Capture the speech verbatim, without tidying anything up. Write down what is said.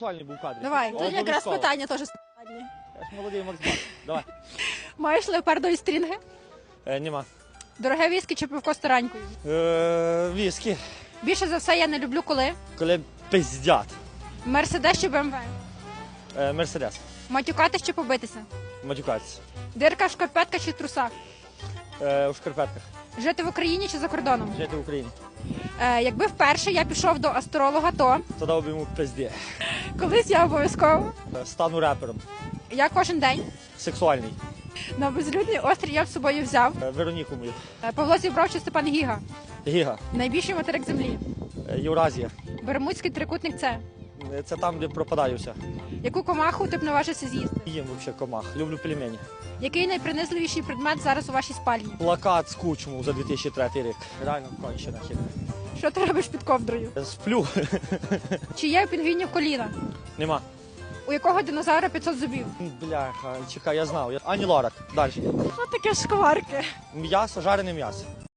Актуальний був кадр. Давай, тут якраз Обов'язково. питання теж складні. Я ж молодий Макс Бак. Давай. Маєш леопардові стрінги? Е, нема. Дороге віскі чи пивко з таранькою? Е, віскі. Більше за все я не люблю коли? Коли пиздят. Мерседес чи БМВ? Е, Мерседес. Матюкатись чи побитися? Матюкатися. Дирка в шкарпетках чи трусах? Е, у шкарпетках. Жити в Україні чи за кордоном? Жити в Україні. Е, якби вперше я пішов до астролога, то Тоді б йому пизді. колись я обов'язково. Е, Стану репером. Я кожен день Сексуальний. на безлюдний острів я б з собою взяв. Е, Вероніку мою. Е, Павло Зібров чи Степан Гіга? Гіга. Найбільший материк землі. Е, Євразія. Бермудський трикутник це. Е, Це там, де пропадаю все. Яку комаху ти б наважився з'їсти? Їм взагалі комах. Люблю пельмені. Який найпринизливіший предмет зараз у вашій спальні? Плакат з Кучму за дві тисячі третій рік. Реально кончена хіба. Що ти робиш під ковдрою? Е, Сплю. Чи є у пінгвінів коліна? Нема. У якого динозавра п'ятсот зубів? Бляха, чекай, я знав. Я- Ані Лорак. Далі. Що таке шкварки? М'ясо, жарене м'ясо.